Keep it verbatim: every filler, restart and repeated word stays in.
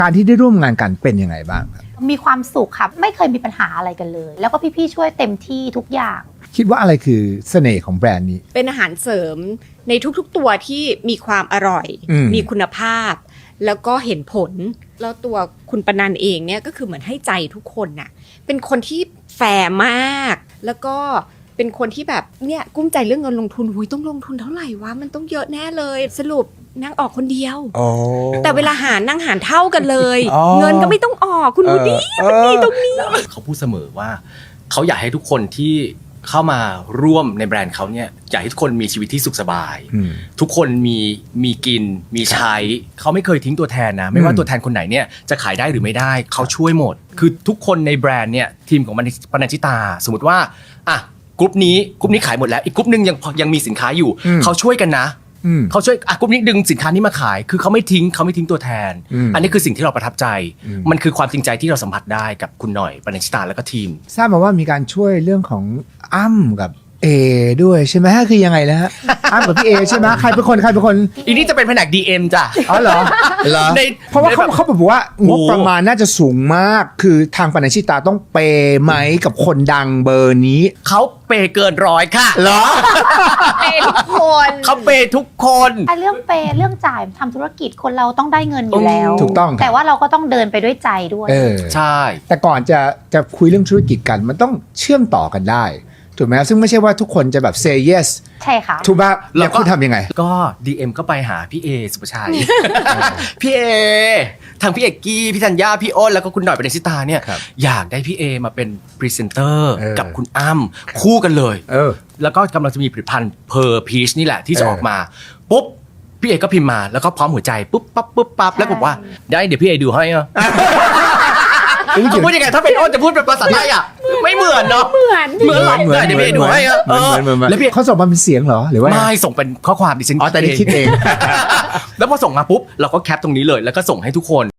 การที่ได้ร่วมงานกันเป็นยังไงบ้างครับมีความสุขครับไม่เคยมีปัญหาอะไรกันเลย แล้วก็พี่ๆช่วยเต็มที่ทุกอย่างคิดว่าอะไรคือเสน่ห์ของแบรนด์นี้เป็นอาหารเสริมในทุกๆตัวที่มีความอร่อยมมีคุณภาพ แล้วก็เห็นผลแล้วตัวคุณปนันเองเนี่ยก็คือเหมือนให้ใจทุกคนน่ะเป็นคนที่แฟร์มากแล้วก็เป็นคนที่แบบเนี่ยกุ้มใจเรื่องเงินลงทุนหุยต้องลงทุนเท่าไหร่วะมันต้องเยอะแน่เลยสรุปนั่งออกคนเดียวอ๋อแต่เวลาหารนั่งหารเท่ากันเลยอ๋อเงินก็ไม่ต้องออกคุณดูดิเออมันมีตรงนี้เขาพูดเสมอว่าเขาอยากให้ทุกคนที่เข้ามาร่วมในแบรนด์เขาเนี่ยอยากให้ทุกคนมีชีวิตที่สุขสบายอืมทุกคนมีมีกินมีใช้เขาไม่เคยทิ้งตัวแทนนะไม่ว่าอืมตัวแทนคนไหนเนี่ยจะขายได้หรือไม่ได้เขาช่วยหมด คือทุกคนในแบรนด์เนี่ยทีมของปนัญชิตา สมมติว่าอ่ะกลุ่มนี้กลุ่มนี้ขายหมดแล้วอีกกลุ่มนึงยังยังมีสินค้าอยู่อืมเขาช่วยกันนะอืมเขาช่วยอ่ะกลุ่มนี้ดึงสินค้านี้มาขาย คือเขาไม่ทิ้งเขาไม่ทิ้งตัวแทนอืมอันนี้คือสิ่งที่เราประทับใจอืมมันคือความจริงใจที่เราสัมผัสได้กับคุณหน่อยปนัญชิตาแล้วก็ทีมทราบมาว่ามีการช่วยเรื่องของอ้ำกับเอด้วยใช่ไหมคือยังไงนะฮะ อ้ำกับพี่เอใช่ไหมใครเป็นคนใครเป็นคนอีนี่จะเป็นแผนก ดี เอ็ม จ้ะอ๋อเหรอเหรอในเพราะว่าเขาในแบบเขาบอกว่างบประมาณน่าจะสูงมาก คือทางปนัญชิตาต้องเปย์ไหมกับคนดังเบอร์นี้เขาเปย์เกินร้อยค่ะเหรอเปย์ทุกคนเขาเปย์ทุกคนไอ้เรื่องเปย์เรื่องจ่ายทำธุรกิจคนเราต้องได้เงินอยู่แล้วถูกต้องครับแต่ว่าเราก็ต้องเดินไปด้วยใจด้วยเออใช่แต่ก่อนจะจะคุยเรื่องธุรกิจกันมันต้องเชื่อมต่อกันได้ถูกไหมซึ่งไม่ใช่ว่าทุกคนจะแบบ say yes ใช่ค่ะถูกป่ะแล้วคุณทำยังไงก็ ดี เอ็ม ก็ไปหาพี่เอสุภชัย พี่เอทางพี่เอกกี้พี่ธัญญาพี่อ้นแล้วก็คุณหน่อยปนัญชิตาเนี่ยครับอยากได้พี่เอมาเป็นพรีเซนเตอร์เออกับคุณอ้ำคู่กันเลยเออแล้วก็กำลังจะมีผลิตภัณฑ์เพอร์พีชนี่แหละที่จะเออออกมาปุ๊บพี่เอก็พิมพ์มาแล้วก็พร้อมหัวใจปุ๊บปั๊บปุ๊บปั๊บแล้วก็บอกว่าได้เดี๋ยวพี่เอดูให้อะอุ๊ยเขาพูดยังไงถ้าเป็นอ้นจะพูดเป็นภาษาไทยอ่ะไม่เหมือนเนาะเหมือนเหมือนหรอกเหมือนแต่เดี๋ยวพี่เอดูให้อะเหมือนเหมือนเหมือนเหมือนแล้วพี่เขาส่งมาเป็นเสียงเหรอหรือว่าไม่ส่งเป็นข้อความดิฉันอ๋อแต่นี่คิดเองแล้วพอส่งมาปุ๊บเราก็แคปตรงนี้เลยแล้วก็ส่งให้ทุกคน